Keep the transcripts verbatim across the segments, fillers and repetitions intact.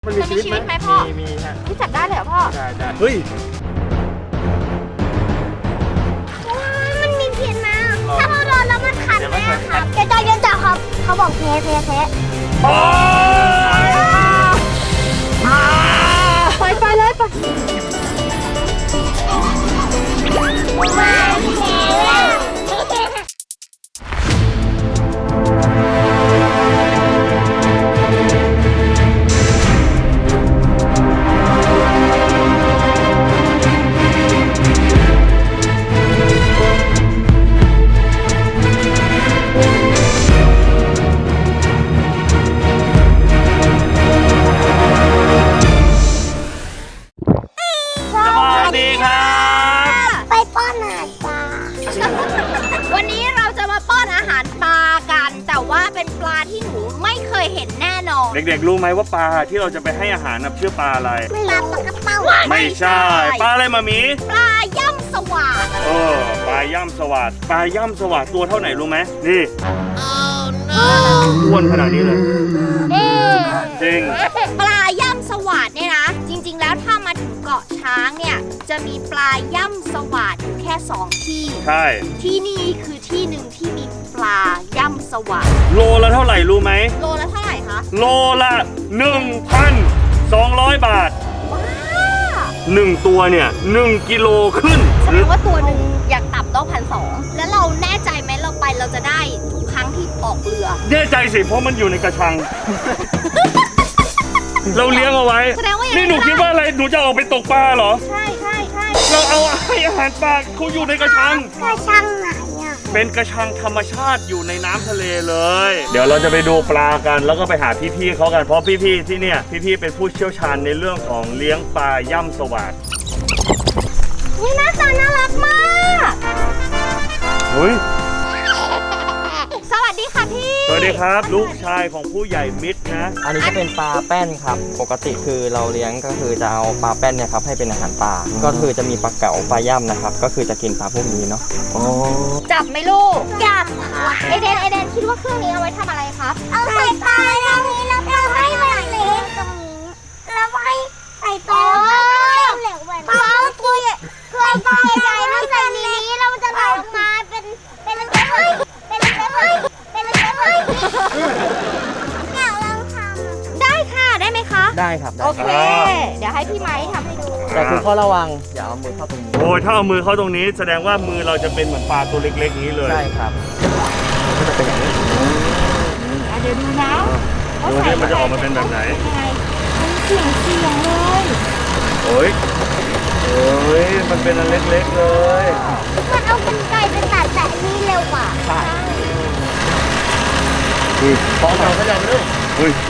มันมีชีวิตไหมพ่อมีมีฮะที่จับได้เลยเหรอพ่อได้ได้เฮ้ยมันมีพิษนะถ้าเราโดนแล้วมันคันไหมครับเจ๊จ้าเจ๊จ้าครับเขาบอกแพ้แพ้แพ้ไปไปเลยไปวันนี้เราจะมาป้อนอาหารปลากันแต่ว่าเป็นปลาที่หนูไม่เคยเห็นแน่นอนเด็กๆรู้ไหมว่าปลาที่เราจะไปให้อาหารนะชื่อปลาอะไรไม่รับปลากระเป๋าไม่ใช่ปลาอะไรมามีปลาย่ำสวาดเออปลาย่ำสวาดปลาย่ำสวาดตัวเท่าไหนรู้ไหมนี่อ้วนขนาดนี้เลยจริงปลาย่ำสวาดเนี่ยนะจริงๆแล้วถ้ามาถึงเกาะช้างเนี่ยจะมีปลาย่ำสวาดอยู่แค่สองที่ใช่ที่นี่คือที่หนึ่งที่มีปลาย่ำสวาดโลละเท่าไหร่รู้ไหมโลละเท่าไหร่คะโลละ หนึ่งพันสองร้อย บาทว้าหนึ่งตัวเนี่ยหนึ่งกิโลขึ้นแสดงว่าตัวหนึ่งอยากต่ำต้องพันสองแล้วเราแน่ใจไหมเราไปเราจะได้ทุกครั้งที่ออกเรือแน่ใจสิเพราะมันอยู่ในกระชัง เราเลี้ยงเอาไว้นี่หนูคิดว่าอะไรหนูจะออกไปตกปลาเหรอใช่ใช่ใช่เราเอาให้อาหารปลาเขาอยู่ในกระชังกระชังไหนอ่ะเป็นกระชังธรรมชาติอยู่ในน้ำทะเลเลยเดี๋ยวเราจะไปดูปลากันแล้วก็ไปหาพี่ๆเขากันเพราะพี่ๆที่เนี่ยพี่ๆเป็นผู้เชี่ยวชาญในเรื่องของเลี้ยงปลาย่ำสวาดนี่หน้าตาน่ารักมากเฮ้ยสวัสดีค่ะพี่สวัสดีครับลูกชายของผู้ใหญ่มิตรนะอันนี้จะเป็นปลาแป้นครับปกติคือเราเลี้ยงก็คือจะเอาปลาแป้นเนี่ยครับให้เป็นอาหารปลาก็คือจะมีปลาเก๋าปลาย่ำนะครับก็คือจะกินปลาพวกนี้เนาะจับไหมลูกจับค่ะเอเดนเอเดนคิดว่าเครื่องนี้เอาไว้ทำอะไรครับเอาใส่ปลาตรงนี้แล้วก็ให้มันเล็กตรงนี้แล้วให้ใส่ปลาเหลวๆเพราะตัวเคยปลาใหญ่ๆมันใส่นี้เราจะไหลออกมาเป็นเป็นอะไรเป็นอะไรเป็นอะไรอยากลองทำได้ค่ะได้ไหมคะได้ครับโอเคเดี๋ยวให้พี่ไม้ทำให้ดูแต่คือข้อระวังอย่าเอามือเข้าตรงนี้โอ้ยถ้าเอามือเข้าตรงนี้แสดงว่ามือเราจะเป็นเหมือนปลาตัวเล็กๆนี้เลยใช่ครับก็จะเป็นอย่างนี้เดี๋ยวดูนะดูดิมันจะออกมาเป็นแบบไหนเสียงเสียงเลยโอ้ยโอ้ยมันเป็นอันเล็กๆเลยมันเอาเป็นไก่เป็นตัดแต่นี่เร็วกว่าใช่พอเราขยับเร็วอุ้ย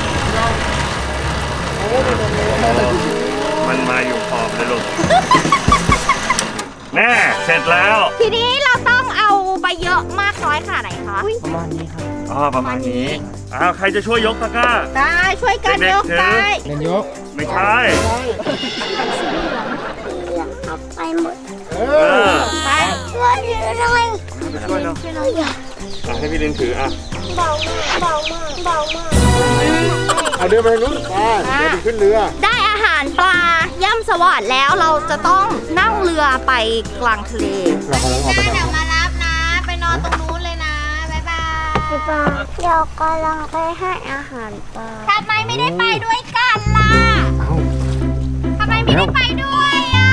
มันมาอยู่ขอบเลยลูกแน่เสร็จแล้วทีนี้เราต้องเอาไปเยอะมากน้อยขนาดไหนคะประมาณนี้ครับอ๋อประมาณนี้อ้าวใครจะช่วยยกตะกร้าได้ช่วยกันยกได้เล่นยกไม่ใช่ไปหมดเออไปช่วยถือหน่อยช่วยเนาะให้พี่ลินถืออ่ะเบามากเบามากเบามากเอาเรือไปนู้นปลาเดี๋ยวขึ้นเรือได้อาหารปลาย่ำสวาดแล้วเราจะต้องนั่งเรือไปกลางทะเลเรากำลังออกไปเดี๋ยวมารับนะไปนอนตรงนู้นเลยนะบ๊ายบายปลาเดี๋ยวกำลังไปให้อาหารปลาทำไมไม่ได้ไปด้วยกันล่ะทำไมไม่ได้ไปด้วยอ่ะ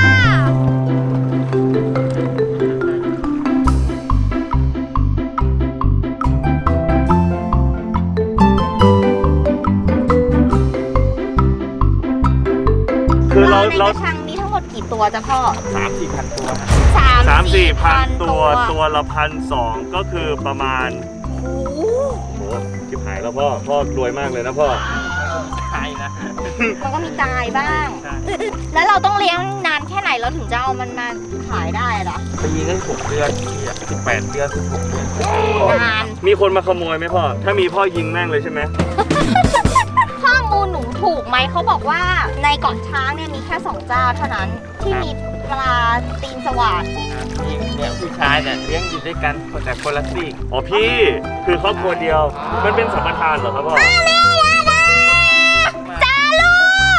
คือเราเราในกระชังมีทั้งหมดกี่ตัวจ้ะพ่อสามสี่พันตัวสามสี่พันตัวตัวละพันสองก็คือประมาณโอ้โหชิบหายแล้วพ่อพ่อรวยมากเลยนะพ่อใช่นะมันก็มีตายบ้างแล้วเราต้องเลี้ยงนานแค่ไหนเราถึงจะเอามันมาขายได้ล่ะปีนึงหกเดือนสิบแปดเดือนสิบหกเดือนนานมีคนมาขโมยไหมพ่อถ้ามีพ่อยิงแม่งเลยใช่ไหมข้อมูลหนูถูกไหมเขาบอกว่าในเกาะช้างเนี่ยมีแค่สองเจ้าเท่านั้นที่มีปลาตีนสวาดนี่เนี่ยผู้ชายเนี่ยเลี้ยงอยู่ด้วยกันแต่คนละซีกอ๋อพี่คือครอบครัวเดียวมันเป็นสัมปทานเหรอครับพ่อจ้าลูก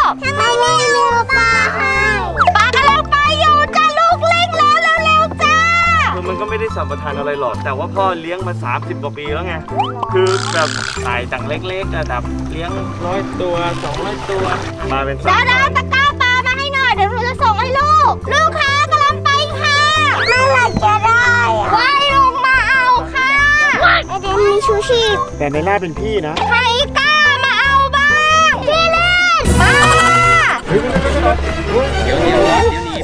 ประทานอะไรหรอกแต่ว่าพ่อเลี้ยงมาสามสิบกว่าปีแล้วไงคือแบบถ่ายจากเล็กๆอะแบบเลี้ยงร้อยตัวสองร้อยตัวมาเป็นดาวดาวตะกร้าปลามาให้หน่อยเดี๋ยวหนูจะส่งให้ลูกลูกค้ากำลังไปค่ะเมื่อไหร่จะได้อะว่ายลงมาเอาค่ะไอเดนมีชูชีพแต่ในหน้าเป็นพี่นะใครกล้ามาเอาบ้างพี่เล่นมาเดี๋ยวเดี๋ยวเดี๋ยวหนีบ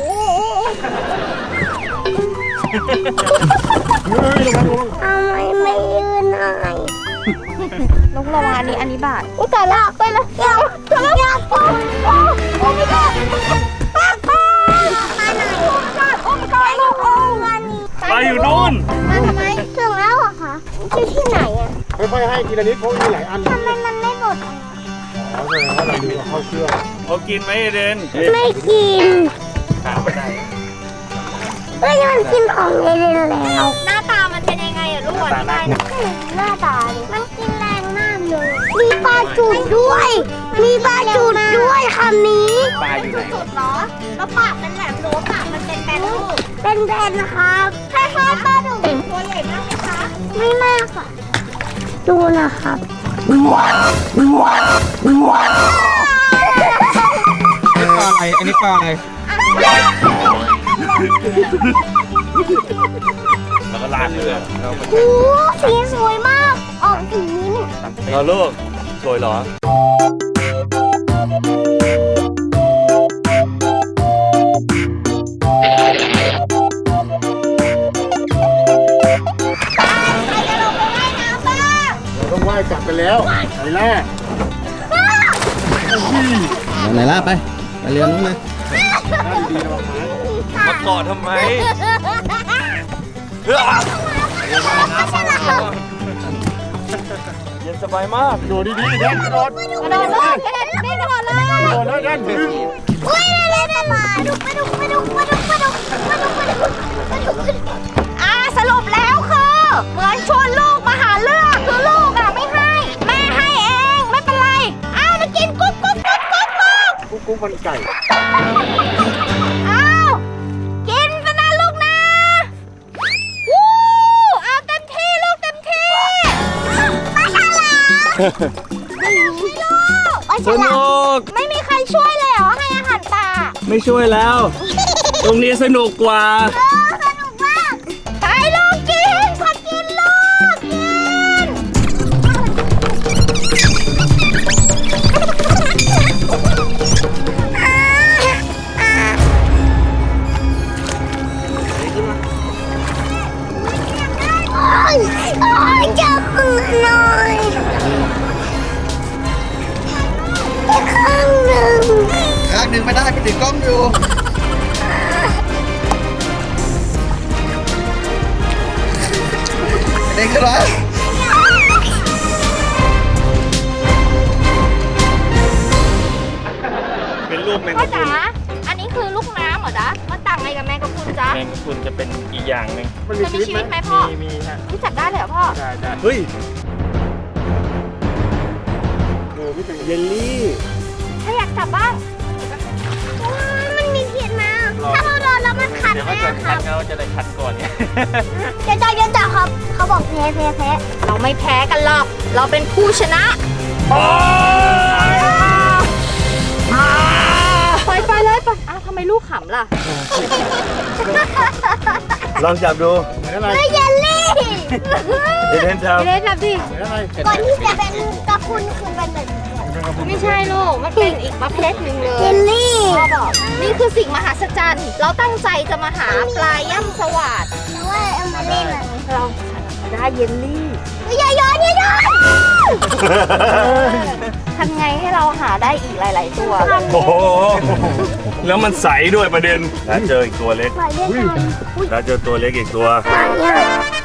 ทำไมไม่ยืนหน่อยลูกระวังอันนี้อันนี้บาทอุ้ยตายละไปละอยากอยากโอ้โอ้โอ้ไม่ได้ปากปากมาไหนโอ้กัดโอ้กัดโอ้งานนี้ไปอยู่นู่นมาทำไมถึงแล้วเหรอคะอยู่ที่ไหนอะค่อยๆให้ทีละนิดเพราะมีหลายอันทำไมมันไม่หมดอะอ๋อแสดงว่าเราดูเข้าเครื่องเขากินไหมเอเดนไม่กินถามไม่ได้เอ้ยมันกินของเอเดนแล้วหน้าตามันเป็นยังไงอะลูกอธิบายหน่อยหน้าตาดิมันกินแรงมากเลย มีปลาจุดด้วย มีปลาจุดด้วยคำนี้ปลาอยู่ไหนสุดเหรอแล้วปากเป็นแหลมหรือว่าปากมันเป็นแบนลูกเป็นแบนนะครับคล้ายๆปลาดุกตัวใหญ่มากไหมคะไม่มากค่ะ ดูนะครับปลาอะไร อันนี้ปลาอะไรแล้วก็ลากเรือโอ้สีสวยมาก ออกสีนี้เนี่ยเราลูกสวยเหรอเราต้องไหว้กลับกันแล้วไอ้ล่าไหนล่ะไป ไปเรือนู้นเลยดีๆระวังไม้มาเกาะทำไม เย็นสบายมากโดดดีๆแดนกระโดดกระโดดเลยกระโดดนี่กระโดดเลยกระโดดแล้วแดนดึงอุ้ยเล่นๆมาดุกปลาดุกปลาดุกปลาดุกปลาดุกปลาดุกปลาดุกปลาดุกอ่าสรุปแล้วคือเหมือนชวนลูกมาหาเรื่องคือลูกอะไม่ให้ แม่ให้เองไม่เป็นไรอ้าวมากินกุ๊กกุ๊กกุ๊กกุ๊กกุ๊กกุ๊กกุ๊กมันไก่อ้าวกินซะนะลูกนะวู้เอาเต็มที่ลูกเต็มที่ปลาฉลามปลาฉสลามนุกไม่มีใครช่วยเลยเหรอให้อาหารปลาไม่ช่วยแล้ว ตรงนี้สนุกกว่าเออสนุกมากไปลูกกินขอกินลูกกินโอ้ยโอ้ยจับมือหน่อยอีกข้างหนึ่งข้างหนึ่งไม่ได้ไปติดกล้องอยู่ เด็กขึ้นมาเป็นรูปแมงพ่อกะพรุจ๋าน อันนี้คือลูกน้ำเหรอจ๊ะมันต่างไงกับแมงกะพรุนจ๊ะแมงกะพรุนจะเป็นอีกอย่างหนึ่งมันจะมีมีชีชีวิวิตตไหไหมมพ่อมีมีฮะรู้จักได้เลยเหรอพ่อได้ได้เฮ้ยเออไม่เป็นเยลลี่ถ้าอยากจับบ้างมันมีพิษนะถ้าเราโดนแล้วมันคันเดี๋ยวไหมเขาจะอะคคัรัดบเขาจะได้คัดก่อนเนี่ยเดี๋ยวจ่ายเดี๋ยวจ่ายครับ เขาบอกแพ้แพ้แพ้เราไม่แพ้กันหรอก เราเป็นผู้ชนะไปไปเลยไปอ้าวทำไมลูกขำล่ะลองจับดูเหมือนอะไรเฮ้ยเยลลี่เอเดนทไม่ได้จับดิเหมือนอะไรก่อนที่จะเป็นกระพุนคือเป็นแบบนี้ไม่ใช่ลูก มันเป็นอีกประเภทหนึ่งเลเยยลลี่พ่อบอกนี่คือสิ่งมหัศจรรย์ เราตั้งใจจะมาหาปลาย่ำสวัสดหรือว่าเอามาเล่นอะไรเราได้เยลลี่อย่าโยนอย่าโยนทำไงให้เราหาได้อีกหลาย ๆ ตัวำโอ้โห แล้วมันใสด้วยประเด็น แล้วเจออีกตัวเล็กปล่อยเล่นกันแล้วเจอตัวเล็กอีกตัวปล่อยอ่ะ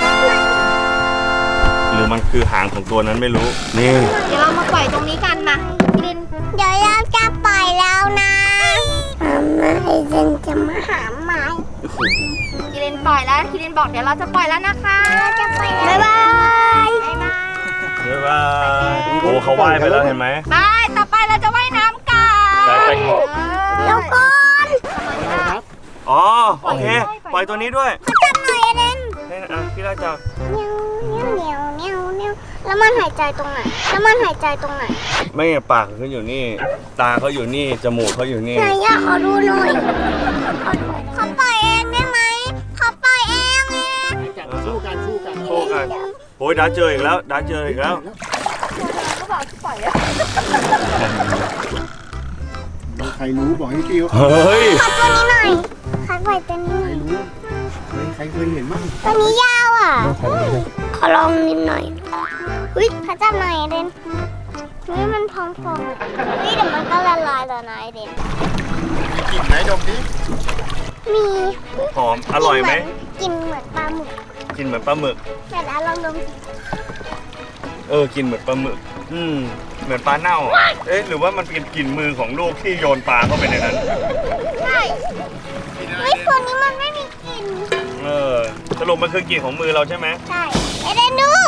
หรือมันคือหางของตัวนั้นไม่รู้ นี่เดี๋ยวเรามาปล่อยตรงนี้กันมาคิรินเดี๋ยวเราจะปล่อยแล้วนะทำไมเซนจะมาหาไม้คิรินปล่อยแล้วคิรินบอกเดี๋ยวเราจะปล่อยแล้วนะคะเราจะปล่อยแล้วบ๊ายบายบ๊ายบายเรียกว่าโอ้เขาว่ายไปแล้วเห็นไหมไปต่อไปเราจะว่ายน้ำกันไปไปเดี๋ยวก่อนอ๋อ โอเค ปล่อยตัวนี้ด้วยจับหน่อยเอเดนให้นะอ่ะพี่พี่ราจับเนียวเนียวเนียวเนียวเนียวแล้วมันหายใจตรงไหนแล้วมันหายใจตรงไหนไม่ปากเขาอยู่นี่ ตาเขาอยู่นี่จมูกเขาอยู่นี่ไหนอยากขอดูหน่อยเขาปล่อยเองได้ไหมเขาปล่อยเองเองจับสู้กันสู้กันโอ้กันโอ้ยดาเจออีกแล้วดาเจออีกแล้วก็บอกปล่อยอะใครรู้บอกให้พี่เขาเฮ้ยขอตัวนี้หน่อยขอปล่อยตัวนี้หน่อยรู้เคยใครเคยเห็นบ้างตัวนี้ยาวอ่ะขอลองนิดหน่อยเฮ้ยขอจับหน่อยเดนเฮ้ยมันพองๆอ่ะเฮ้ยเดี๋ยวมันก็ละลายแล้วนะไอเดนกลิ่นไหนดมดิมีหอมอร่อยไหมกินเหมือนปลาหมึกกินเหมือนปลาหมึกแต่ละลองดมสิเออกินเหมือนปลาหมึกอืมเหมือนปลาเน่าอะเอ๊ะหรือว่ามันเป็นกลิ่นมือของลูกที่โยนปลาเข้าไปในนั้นใช่เฮ้ยตัวนี้มันไม่มีกลิ่นเออสรุปมันคือกลิ่นของมือเราใช่ไหมใช่ไอเดนดู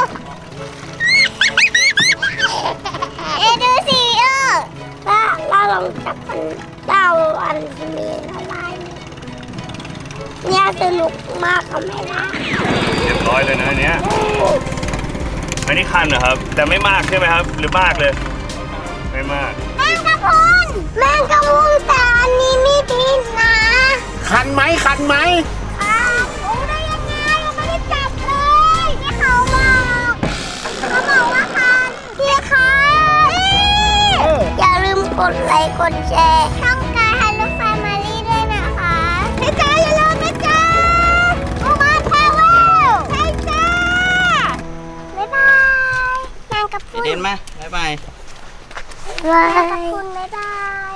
เอดูสิเออถ้าเราลองจับมันเราอันที่มีละลายเนี่ยสนุกมากกับแม่ล่ะเรียบร้อยเลยนะอันเนี้ยอันนี้คันเหรอครับ แต่ไม่มากใช่ไหมครับ หรือมากเลย ไม่มากแมงกะพรุนแมงกะพรุนแต่อันนี้มีพิษนะคันไหมคันไหมอ้าวรู้ได้ยังไงยังไม่ได้จับเลยที่เขาบอกเขาบอกว่าคันพี่คะอย่าลืมกดไลค์กดแชร์ช่องกายฮัลโหลแฟมิลี่ด้วยนะคะพี่จ้าอย่าลืมนะจ๊ะอุมาแทเวลใช่จ้าบ๊ายบายนางกระพุนเด่นไหมบ๊ายบายนางกระพุนบ๊ายบาย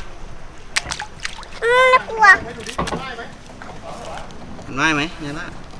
อืมน่ากลัวได้ไหมเนี่ยนะ